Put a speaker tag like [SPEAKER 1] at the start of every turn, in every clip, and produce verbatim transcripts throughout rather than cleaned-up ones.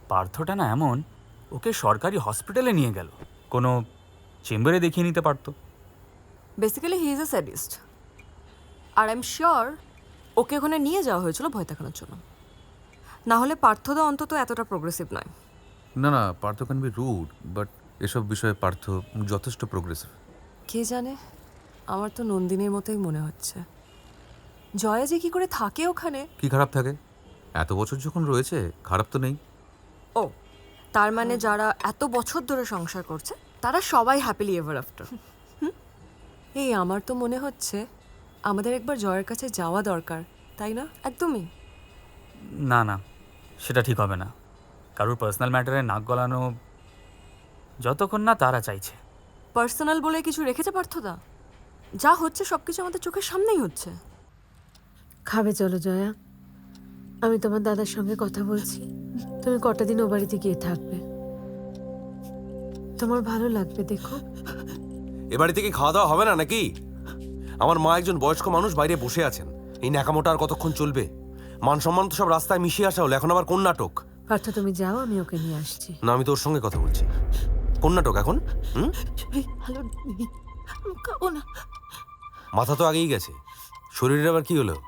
[SPEAKER 1] পার্থটা না এমন, ওকে সরকারি হসপিটালে নিয়ে গেল, কোনো চেম্বারে দেখিয়ে নিতে পারতো।
[SPEAKER 2] Basically he is a sadist, আর আই এম শিওর ওকে ওখানে নিয়ে যাওয়া হয়েছিল ভয় দেখানোর জন্য। না হলে পার্থদা অন্তত এতটা প্রোগ্রেসিভ নয়।
[SPEAKER 3] না না, Partha can be rude, but এসব বিষয়ে পার্থ যথেষ্ট প্রোগ্রেসিভ।
[SPEAKER 2] কে জানে, আমার তো নন্দিনীর মতোই মনে হচ্ছে। জয়া যে কি করে থাকে ওখানে।
[SPEAKER 3] কি খারাপ থাকে? এত বছর যখন রয়েছে, খারাপ তো নেই।
[SPEAKER 2] ও, তার মানে যারা এত বছর ধরে সংসার করছে তারা সবাই হ্যাপিলি এভার আফটার। এই আমার তো মনে হচ্ছে আমাদের একবার জয়ের কাছে যাওয়া দরকার, তাই না? একদমই
[SPEAKER 1] না না, সেটা ঠিক হবে না। কারোর পার্সোনাল ম্যাটারে নাক গলানো যতক্ষণ না তারা চাইছে।
[SPEAKER 2] পার্সোনাল বলে কিছু রেখেছে পার্থদা? যা হচ্ছে সব কিছু আমাদের চোখের সামনেই হচ্ছে।
[SPEAKER 4] খাবে চলো জয়া, আমি তোমার দাদার সঙ্গে কথা বলছি। তুমি কটা দিন ও বাড়িতে গিয়ে থাকবে, তোমার ভালো লাগবে। দেখো,
[SPEAKER 5] এ বাড়ি থেকে খাওয়া দাওয়া হবে না নাকি? আমার মা একজন বয়স্ক মানুষ, বাইরে বসে আছেন। এই ন্যাকামোটা আর কতক্ষণ চলবে? মান সম্মান তো সব রাস্তায় মিশিয়ে আসা হলো, এখন আবার কোন নাটক?
[SPEAKER 4] পার্থ তুমি যাও, আমি ওকে নিয়ে আসছি।
[SPEAKER 5] না, আমি তোর সঙ্গে কথা বলছি। কোন নাটক এখন? হুম,
[SPEAKER 4] ভালো নেই, খাবো না।
[SPEAKER 5] মাথা তো আগেই গেছে, শরীরের আবার কি হলো?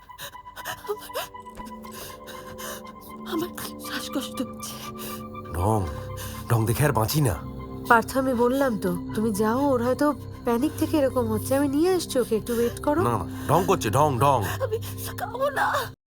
[SPEAKER 4] আমার শ্বাসকষ্ট হচ্ছে।
[SPEAKER 5] ঢং ঢং দেখে আর বাঁচি না।
[SPEAKER 4] পার্থ আমি বললাম তো, তুমি যাও, ওর হয়তো প্যানিক থেকে এরকম হচ্ছে। আমি নিয়ে আসছি ওকে, একটু ওয়েট করো।
[SPEAKER 5] না না, ঢং করছে, ঢং ঢং।
[SPEAKER 4] আমি খাবো না।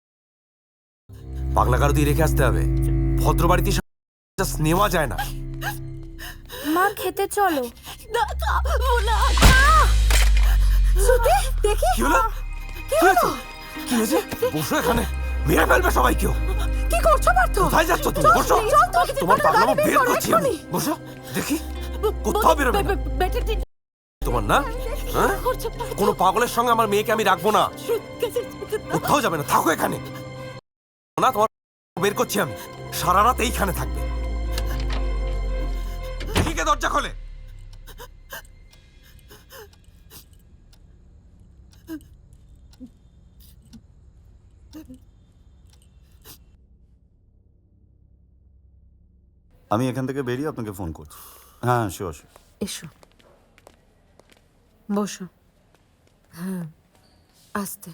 [SPEAKER 5] পাগলা কারো দিয়ে রেখে আসতে হবে। ভদ্র বাড়িতে জাস্ট নেওয়া যায় না।
[SPEAKER 6] মা খেতে চলো।
[SPEAKER 4] না খাবো না। শ্রুতি, দেখি
[SPEAKER 5] কি হলো? কি হয়েছে? কি হয়েছে? বসো এখানে, মেরে ফেলবে সবাই। কেউ
[SPEAKER 4] কি করছো পার্থ?
[SPEAKER 5] কোথায় যাচ্ছ তুমি? বসো, তোমার পাগলামো বের করছি আমি। বসো, দেখি কোথাও বেরোবে না। তোমার না, হ্যাঁ? কোনো পাগলের সঙ্গে আমার মেয়েকে আমি রাখবো না। কোথাও যাবে না, থাকো এখানে। না, তোমার বের করছি আমি। সারা রাত এইখানে থাকবে। দেখি কে দরজা খোলে।
[SPEAKER 7] আমি এখান থেকে বেরিয়ে আপনাকে ফোন করছি। হ্যাঁ, শিওর শিওর।
[SPEAKER 4] এসো, বসো। হ্যাঁ, আস্তে।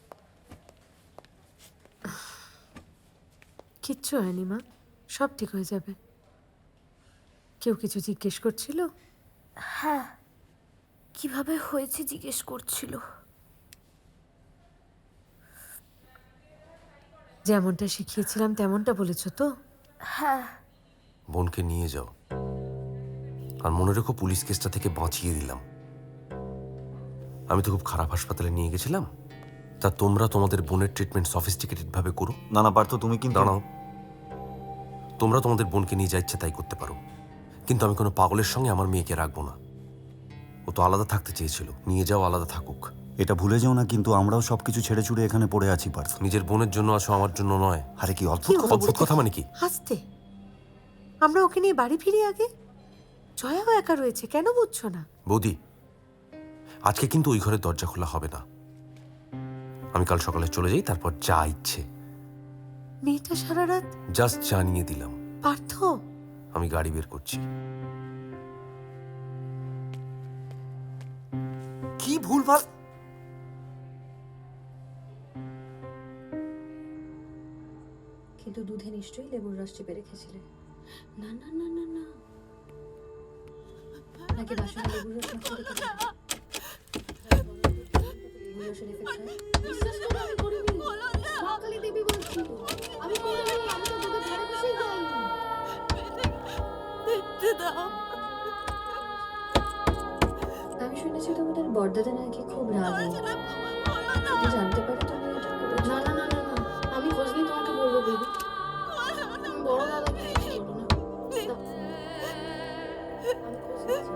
[SPEAKER 4] কিচ্ছু হয়নি মা, সব ঠিক হয়ে যাবে। কেউ কিছু জিজ্ঞেস করছিল?
[SPEAKER 6] হ্যাঁ, কিভাবে হয়েছে জিজ্ঞেস করছিল।
[SPEAKER 4] যেমনটা শিখিয়েছিলাম তেমনটা বলেছো তো?
[SPEAKER 6] হ্যাঁ।
[SPEAKER 5] বোনকে নিয়ে যাও, আর মনে রেখো পুলিশ কেসটা থেকে বাঁচিয়ে দিলাম। আমি তো খুব খারাপ হাসপাতালে নিয়ে গেছিলাম, তা তোমরা তোমাদের বোনের ট্রিটমেন্ট সফিস্টিকেটেড ভাবে করো।
[SPEAKER 7] না না পার্থ, তুমি কিন্তু
[SPEAKER 5] দাঁড়াও, তোমরা তোমাদের বোনকে নিয়ে যা ইচ্ছে তাই করতে পারো, কিন্তু আমি কোনো পাগলের সঙ্গে আমার মেয়েকে রাখবো না। ও তো আলাদা থাকতে চেয়েছিল, নিয়ে যাও, আলাদা থাকুক।
[SPEAKER 7] এটা ভুলে যেও না, কিন্তু আমরাও সবকিছু ছেড়ে ছুড়ে এখানে পড়ে আছি পার্থ।
[SPEAKER 5] নিজের বোনের জন্য আসো, আমার জন্য নয়।
[SPEAKER 7] আরে কি অদ্ভুত কথা
[SPEAKER 5] অদ্ভুত কথা মানে কি?
[SPEAKER 4] আস্তে। আমরা ওকে নিয়ে বাড়ি ফিরি আগে। জয়াও একা রয়েছে, কেন বুঝছো না?
[SPEAKER 5] বৌদি, আজকে কিন্তু ওই ঘরের দরজা খোলা হবে না। আমি কাল সকালে চলে যাই, তারপর যা ইচ্ছে।
[SPEAKER 4] মেয়েটা সারা রাত।
[SPEAKER 5] জাস্ট জানিয়ে দিলাম।
[SPEAKER 4] পার্থ,
[SPEAKER 5] আমি গাড়ি বের করছি। কি ভুলভাল!
[SPEAKER 8] কিন্তু দুধে নিশ্চয়ই লেবুর রস চেপে রেখেছিলে। না না না না না, নাকি বাসনে লেবুর রস মাখিয়ে রেখেছিলে? লেবুর রসের এফেক্ট হয়? বিশ্বাস করো, আমি করিনি। মা কালী দেবী বলছি, আমি করিনি। আমি তো দুধের ধারে বসেই যাইনি। আমি শুনেছি তোমাদের বড়দাদা নাকি খুব রাগী। যদি জানতে পারে তুমি এটা করেছো। না না না না না, আমি খোঁজ নিয়ে তোমাকে বলবো বেবি। বড় দাদাকে কিছু বলো না। দাও। আমি খোঁজ নিচ্ছি।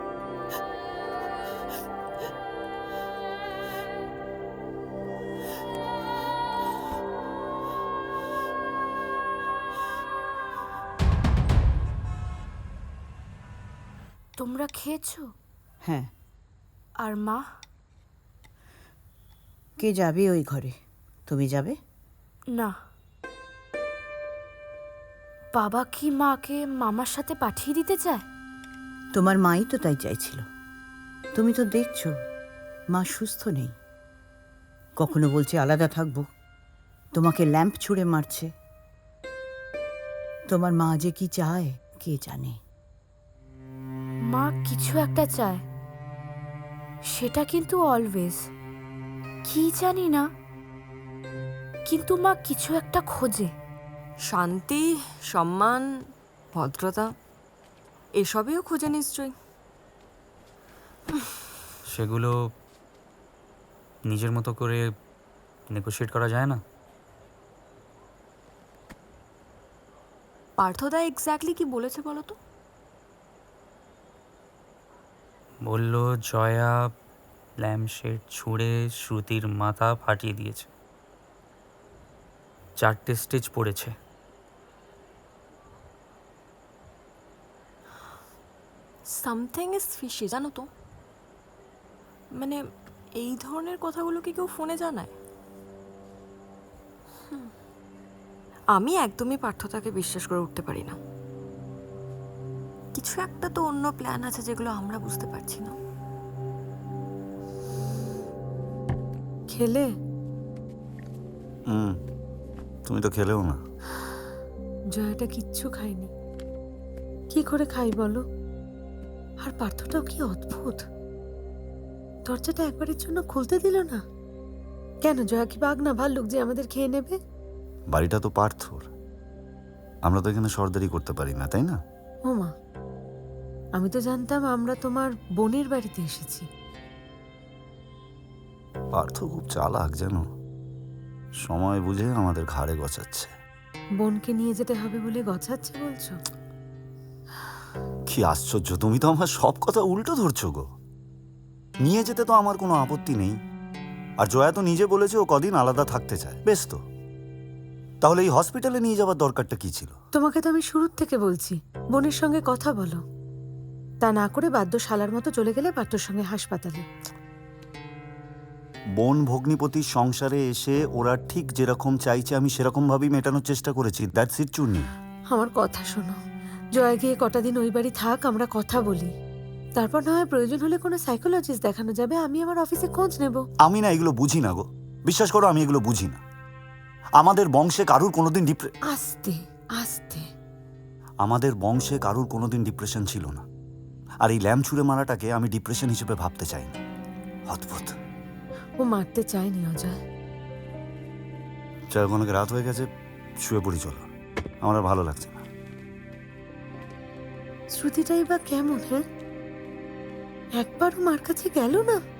[SPEAKER 6] তোমরা খেয়েছো?
[SPEAKER 9] হ্যাঁ।
[SPEAKER 6] আর মা?
[SPEAKER 9] কে যাবে ওই ঘরে? তুমি যাবে?
[SPEAKER 6] না। বাবা কি মাকে মামার সাথে পাঠিয়ে দিতে চায়?
[SPEAKER 9] তোমার মাই তো তাই চাইছিল। তুমি তো দেখছো মা সুস্থ নেই, কখনো বলছে আলাদা থাকবো, তোমাকে ল্যাম্প ছুঁড়ে মারছে। তোমার মা যে কি চায় কে জানে।
[SPEAKER 6] মা কিছু একটা চায়, সেটা কিন্তু অলওয়েজ। কি জানি না, কিন্তু মা কিছু একটা খোঁজে।
[SPEAKER 2] শান্তি, সম্মান, ভদ্রতা এসবেও খোঁজে নিশ্চয়ই।
[SPEAKER 1] সেগুলো নিজের মতো করে নেগোশিয়েট করা যায় না?
[SPEAKER 2] পার্থদা এক্স্যাক্টলি কি বলেছে বলো তো?
[SPEAKER 1] বলল জয়া ল্যাম্পশেড ছুঁড়ে শ্রুতির মাথা ফাটিয়ে দিয়েছে। চারটে স্টেজ পড়েছে।
[SPEAKER 2] সামথিং ইজ ফিশি, জানো তো। মানে এই ধরনের কথাগুলো কি কেউ ফোনে জানায়? হুম। আমি একদমই পার্থতাকে বিশ্বাস করে উঠতে পারি না। কিছু একটা তো অন্য প্ল্যান আছে যেগুলো আমরা বুঝতে পারছি না।
[SPEAKER 4] খেলে?
[SPEAKER 7] হুম, তুমি তো খেলেও না।
[SPEAKER 4] জয়াটা কিচ্ছু খায়নি। কি করে খাই বলো? আর পার্থটাও কি অদ্ভুত, দরজাটা একবারের জন্য খুলতে দিল না। কেন, জয়া কি বাঘ না ভাল্লুক যে আমাদের খেয়ে নেবে?
[SPEAKER 7] বাড়িটা তো পার্থর, আমরা তো এখানে সর্দারি করতে পারি না, তাই না?
[SPEAKER 4] ওমা, আমি তো জানতাম আমরা তোমার বোনের বাড়িতে এসেছি।
[SPEAKER 7] পার্থ খুব চালাক জানো, সময় বুঝে আমাদের ঘাড়ে গচাচ্ছে।
[SPEAKER 4] বোনকে নিয়ে যেতে হবে বলে গছাচ্ছে বলছো?
[SPEAKER 7] কি আশ্চর্য, তুমি তো আমার সব কথা উল্টো ধরছো গো। নিয়ে যেতে তো আমার কোনো আপত্তি নেই, আর জয়া তো নিজে বলেছে ও কদিন আলাদা থাকতে চায়, বেশ তো। তাহলে এই হসপিটালে নিয়ে যাওয়ার দরকারটা কি ছিল?
[SPEAKER 4] তোমাকে তো আমি শুরুর থেকে বলছি বোনের সঙ্গে কথা বলো, তা না করে বাদ্য শালার মতো চলে গেলে পার্থর সঙ্গে হাসপাতালে।
[SPEAKER 7] বোন ভগ্নিপতির সংসারে এসে ওরা ঠিক যেরকম চাইছে আমি সেরকম ভাবেই মেটানোর চেষ্টা করেছি। That's it Chunni.
[SPEAKER 4] আমার কথা শোনো, জয় গিয়ে কটা দিন ওই বাড়ি থাক, আমরা কথা বলি, তারপর না হয় প্রয়োজন হলে কোনো সাইকোলজিস্ট দেখানো যাবে। আমি আমার অফিসে খোঁজ নেব।
[SPEAKER 7] আমি না এগুলো বুঝি না গো, বিশ্বাস করো আমি এগুলো বুঝি না। আমাদের বংশে কারুর কোনোদিন ডিপ্রে
[SPEAKER 4] আস্তে আস্তে
[SPEAKER 7] আমাদের বংশে কারুর কোনোদিন ডিপ্রেশন ছিল না, আর এই ল্যাম্প ছুঁড়ে মারাটাকে আমি ডিপ্রেশন হিসেবে ভাবতে চাই না। অদ্ভুত।
[SPEAKER 4] ও মারতে চায়নি অজয়।
[SPEAKER 7] চাই অনেক রাত হয়ে গেছে, শুয়ে পড়ি চলো, আমার আর ভালো লাগছে না।
[SPEAKER 4] শ্রুতিটাই বা কেমন? হ্যাঁ, একবারও মার কাছে গেল না।